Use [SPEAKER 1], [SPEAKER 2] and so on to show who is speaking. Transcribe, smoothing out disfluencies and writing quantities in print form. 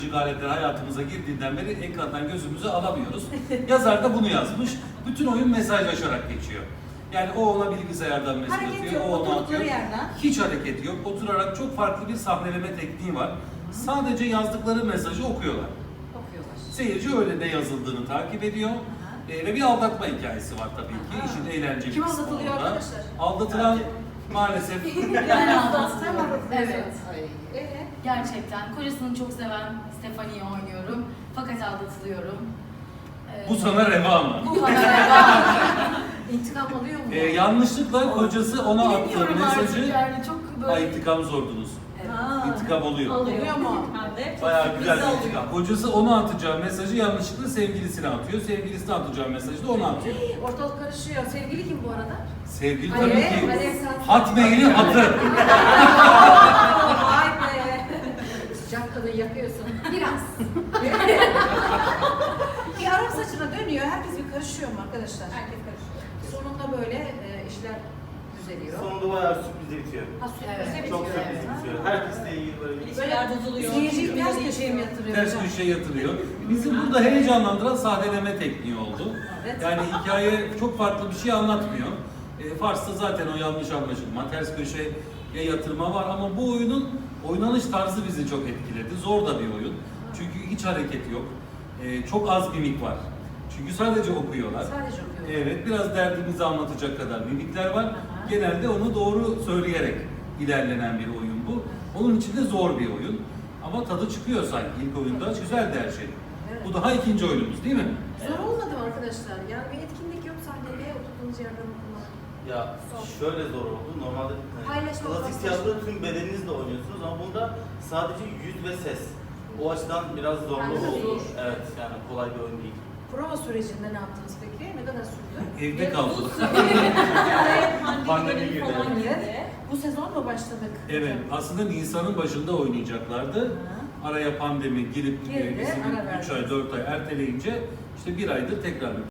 [SPEAKER 1] aletler hayatımıza girdiğinden beri ekrandan gözümüzü alamıyoruz. Yazar da bunu yazmış. Bütün oyun mesajlaşarak geçiyor. Yani o ona bilgisayardan mesaj
[SPEAKER 2] Hareket
[SPEAKER 1] atıyor,
[SPEAKER 2] yok,
[SPEAKER 1] o ona
[SPEAKER 2] oturdukları
[SPEAKER 1] atıyor.
[SPEAKER 2] yerden.
[SPEAKER 1] Hiç hareket yok. Oturarak çok farklı bir sahneleme tekniği var. Sadece yazdıkları mesajı okuyorlar.
[SPEAKER 2] Okuyorlar.
[SPEAKER 1] Seyirci öyle ne yazıldığını takip ediyor. Ve bir aldatma hikayesi var tabii ki. İşin eğlenceli
[SPEAKER 2] Kim
[SPEAKER 1] kısmı
[SPEAKER 2] aldatılıyor
[SPEAKER 1] orada.
[SPEAKER 2] arkadaşlar?
[SPEAKER 1] Aldatılan maalesef
[SPEAKER 3] Ben aldım.
[SPEAKER 2] Sen mi aldatılıyorsun?
[SPEAKER 3] Evet.
[SPEAKER 2] Ay,
[SPEAKER 3] Gerçekten. Kocasını çok seven Stefani'yi oynuyorum. Fakat aldatılıyorum.
[SPEAKER 1] bu sana reva mı?
[SPEAKER 3] Bu bana reva.
[SPEAKER 2] İntikam alıyor mu?
[SPEAKER 1] Yanlışlıkla kocası ona attığı
[SPEAKER 3] Bilemiyorum artık
[SPEAKER 1] mesajı
[SPEAKER 3] yani çok böyle...
[SPEAKER 1] intikam zordunuz.
[SPEAKER 2] Ha.
[SPEAKER 1] İntikam oluyor.
[SPEAKER 2] Oluyor mu?
[SPEAKER 1] Bayağı güzel bir intikam. Kocası ona atacağı mesajı yanlışlıkla sevgilisine atıyor. Sevgilisine atacağı mesajı da ona atıyor.
[SPEAKER 2] Ortalık karışıyor. Sevgili kim bu arada?
[SPEAKER 1] Sevgili
[SPEAKER 2] Alev,
[SPEAKER 1] tabii ki.
[SPEAKER 2] Alev sen-
[SPEAKER 1] Hotmail'in hatı.
[SPEAKER 2] Vay be. Sıcak kadın yakıyorsun. Biraz. Bir Arap saçına dönüyor. Herkes bir karışıyor mu arkadaşlar? Herkes karışıyor. Sonunda böyle işler düzeliyor.
[SPEAKER 4] Sonunda bayağı sürpriz bitiyor.
[SPEAKER 2] Ha, sürprize
[SPEAKER 3] Evet.
[SPEAKER 2] bitiyor.
[SPEAKER 4] Çok sürpriz bitiyor. Herkesle ilgili böyle bir
[SPEAKER 2] Böyle bozuluyor. Seyirciyi ters köşeye mi yatırıyor?
[SPEAKER 1] Ters köşeye yatırıyor. Bizim burada heyecanlandıran sahneleme tekniği oldu.
[SPEAKER 2] Evet.
[SPEAKER 1] Yani hikaye çok farklı bir şey anlatmıyor. Fars'ta zaten o yanlış anlaşılma, ters köşeye yatırma var ama bu oyunun oynanış tarzı bizi çok etkiledi. Zor da bir oyun. Çünkü hiç hareket yok. Çok az mimik var. Çünkü sadece okuyorlar.
[SPEAKER 2] Sadece okuyor.
[SPEAKER 1] Evet, biraz derdimizi anlatacak kadar mimikler var. Genelde onu doğru söyleyerek ilerlenen bir oyun bu. Onun için de zor bir oyun. Ama tadı çıkıyor sanki ilk oyunda. Güzeldi her şey.
[SPEAKER 2] Evet.
[SPEAKER 1] Bu daha ikinci oyunumuz değil mi?
[SPEAKER 2] Zor olmadı mı arkadaşlar? Yani bir etkinlik yok sahnede oturduğunuz yerden okumak.
[SPEAKER 4] Ya şöyle zor oldu. Normalde
[SPEAKER 2] Paylaşmak
[SPEAKER 4] klasik
[SPEAKER 2] lazım.
[SPEAKER 4] tiyatroda tüm bedeninizle oynuyorsunuz ama bunda sadece yüz ve ses. O açıdan biraz zorlu
[SPEAKER 2] Yani
[SPEAKER 4] oldu.
[SPEAKER 2] zor.
[SPEAKER 4] Evet, yani kolay bir oyun değil.
[SPEAKER 2] Prova sürecinde ne yaptınız peki? Ne kadar sürdü?
[SPEAKER 1] Evde kaldık.
[SPEAKER 4] Pandemi girdi.
[SPEAKER 2] Evet. Bu sezon mu başladık?
[SPEAKER 1] Evet, aslında Nisan'ın başında oynayacaklardı. Araya pandemi girip
[SPEAKER 2] Girdi,
[SPEAKER 1] bizim
[SPEAKER 2] ara
[SPEAKER 1] 3 ay 4 ay erteleyince işte bir aydır tekrar